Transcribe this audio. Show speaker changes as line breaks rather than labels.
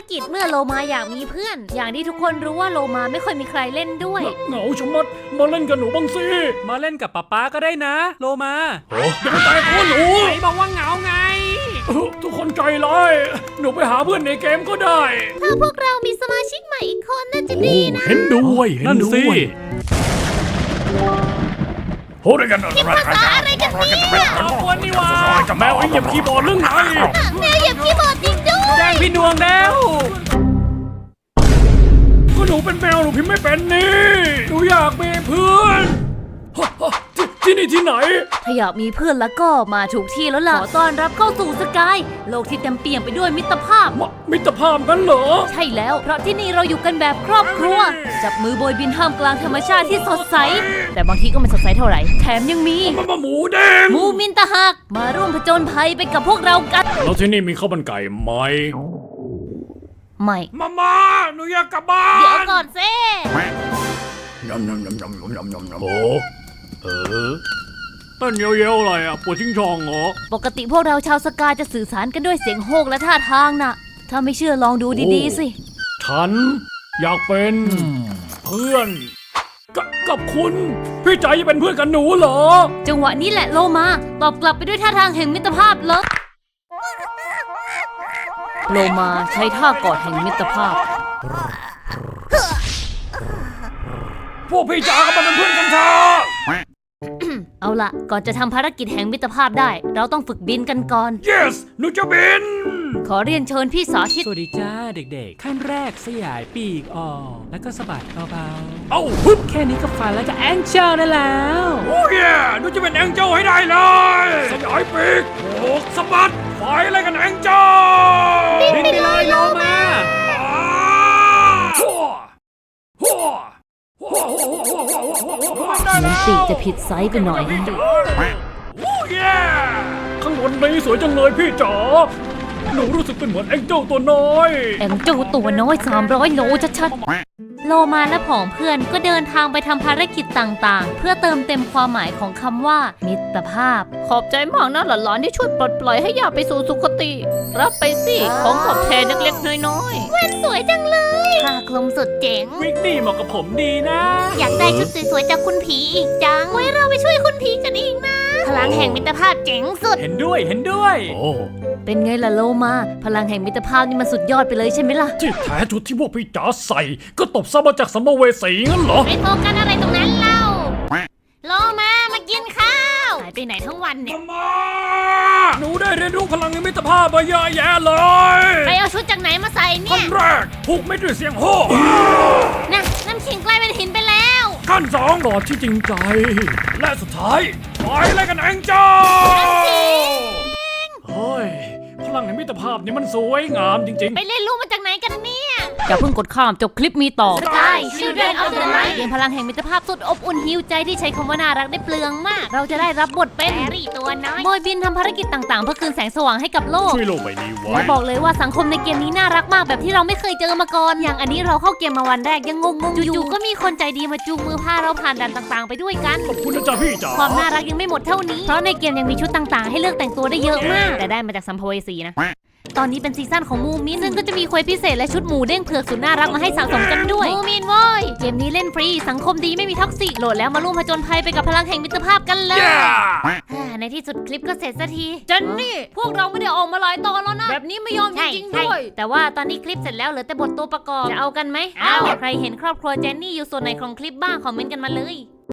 กิจเมื่อโลมาอยากมีเพื่อนอย่างที่ทุกคนรู้ว่าโลมาไม่ค่อยมีใครเล่นด้วย
เหงาชะมัดมาเล่นกับหนูบ้างสิ
มาเล่นกับป๊าก็ได้นะโลมา
อย่าไปแตะตัวหนู
ไหนบอกว่าเหงาไง
ทุกคนใจร้ายหนูไปหาเพื่อนในเกมก็ได้
ถ้าพวกเรามีสมาชิกใหม่อีกคนน่าจะดีนะ
เห็นด้วย
นั่นสิ
โหด้วยกัน
ภาษาอะไรกันเนี่ย
เอาคนนี่วะ
จะแมวไอ้เหยียบคีย์บอร์ดเรื่องไหน
แมวเหยียบคีย์บอร์ดจริงด้วย
แจ้งพี่ดวงแล้ว
ก็หนูเป็นแมวหนูพิมพ์ไม่เป็นนี่หนูอยากมีเพื่อนที่นี่ที่ไหน
ถ้าอยากมีเพื่อนแล้วก็มาถูกที่แล้วล่ะขอต้อนรับเข้าสู่สกายโลกที่เต็มเปี่ยมไปด้วยมิตรภาพ
มิตรภาพกันเหรอ
ใช่แล้วเพราะที่นี่เราอยู่กันแบบครอบครัวจับมือโบยบินท่ามกลางธรรมชาติที่สดใสแต่บางทีก็ไม่สดใสเท่าไหร่แถมยังมี
หมูแดง
หมูมินตะหักมาร่วมผจญภัยไปกับพวกเรากัน
แล้วที่นี่มีข้าวมันไก่ไหม
ไม่
มาหนูอยากกลับบ้าน
เดี๋ยวก่อนซิ
ยำโอ้ต้นเยอะๆอะไรอ่ะปวดชิงชองเหรอ
ปกติพวกเราชาวสกายจะสื่อสารกันด้วยเสียงโฮกและท่าทางน่ะถ้าไม่เชื่อลองดูดีๆสิ
ฉันอยากเป็นเพื่อนกับคุณพี่ใจจะเป็นเพื่อนกับหนูเหรอ
จังหวะนี้แหละโลมาตอบกลับไปด้วยท่าทางแห่งมิตรภาพเลยโลมาใช้ท่ากอดแห่งมิตรภาพ
พวกพี่จ๋าก็มาเป็นเพื่อนกันเถอะ
เอาล่ะก่อนจะทำภารกิจแห่งมิตรภาพได้เราต้องฝึกบินกันก่อน
Yes หนูจะบิน
ขอเรียนเชิญพี่สาธิต
สวัสดีจ้าเด็กๆขั้นแรกสยายปีกออกแล้วก็สะบัดเบาๆ
ปึ๊บ
แค่นี้ก็ฝันแล้วจะแองเจิลได้แล้ว
โอ้ยหนูจะเป็นแองเจิลให้ได้เลยสยายปีกโอกสะบัดไฟอะไรกันแองเจิล
บินไปเลยโลมา
เหมือนปีกจะผิดไซส์ไปหน่อย
ข้างบนนี้สวยจังเลยพี่จ๋าหนูรู้สึกเป็นเหมือนแองเจิลตัวน้อย
แองเจิลตัวน้อย300โลชัดๆโลมาและผองเพื่อนก็เดินทางไปทำภารกิจต่างๆเพื่อเติมเต็มความหมายของคำว่ามิตรภาพขอบใจมากนะหลานๆที่ช่วยปลดปล่อยให้อยากไปสู่สุคติรับไปสิของตอบแทนเล็กๆน้อยๆแว่นสวยจังเลยผ้าคลุมสุดเจ๋ง
วิกนี่เหมาะกับผมดีนะ
อยากได้ชุดสวยๆจากคุณผีอีกจังไว้เราไปช่วยคุณผีกันอีกนะพลังแห่งมิตรภาพเจ๋งสุด
เห็นด้วย
เป็นไงล่ะโลมาพลังแห่งมิตรภาพนี่มันสุดยอดไปเลยใช่ไหมล่ะ
ที่แท้ชุดที่พวกพี่จ๋าใส่ก็ตบซะมาจากสัมภเวสีงั้นเหรอ
ไปโฟกัสอะไรตรงนั้นเล่าโลมากินข้าวหายไปไหนทั้งวันเนี่ย
หนูได้เรียนรู้พลังแห่งมิตรภาพมาเยอะแยะเลย
ไปเอาชุดจากไหนมาใส่เนี่ย
ขั้นแรกผูกไม่ด้วยเสียงโห่
นะน้ำขิงกลายเป็นหินไปแล้ว
ขั้นสองกอดที่จริงใจและสุดท้ายไปอะไรกันแองเจ้าเฮ้ยพลังแห่งมิตรภาพนี่มันสวยงามจริงๆ
ไปเล่นรู้มาจากไหนกันเนี่ยอย่าเพิ่งกดข้ามจบคลิปมีต่อ Sky Children of the Light เรียนพลังแห่งมิตรภาพสุดอบอุ่นหิวใจที่ใช้คำว่าน่ารักได้เปลืองมากเราจะได้รับบทเป็นแฮร์รี่ตัวน้อยโบยบินทำภารกิจต่างๆเพื่อคืนแสงสว่างให้กับโลก
ช่วยโลกใบนี้ไว้
และบอกเลยว่าสังคมในเกมนี้น่ารักมากแบบที่เราไม่เคยเจอมาก่อนอย่างอันนี้เราเข้าเกมมาวันแรกยังงงๆอยู่ๆก็มีคนใจดีมาจูงมือพาเราผ่านด่านต่างๆไปด้วยกัน
ขอบคุณนะจ๊ะพี่จ๋า
ความน่ารักยังไม่หมดเท่านี้เพราะในเกมยังมีชุดต่างๆให้เลือกแต่งตัวได้เยอะมากแต่ได้มาจากสัมภเวสีนะตอนนี้เป็นซีซั่นของมูมินซึ่งก็จะมีเควสพิเศษและชุดหมูเด้งเผือกสุดน่ารักมาให้สะสมกันด้วยมูมินโว้ยเกมนี้เล่นฟรีสังคมดีไม่มีท็อกซิกโหลดแล้วมาร่วมผจญภัยไปกับพลังแห่งมิตรภาพกันเลยในที่สุดคลิปก็เสร็จสักทีจันนี่พวกเราไม่ได้ออกมาหลายตอนแล้วนะแบบนี้ไม่ยอมจริงๆด้วยแต่ว่าตอนนี้คลิปเสร็จแล้วเหลือแต่บทตัวประกอบจะเอากันไหมเอาใครเห็นครอบครัวเจนนี่อยู่ส่วนไหนของคลิปบ้างคอมเมนต์กันมาเลย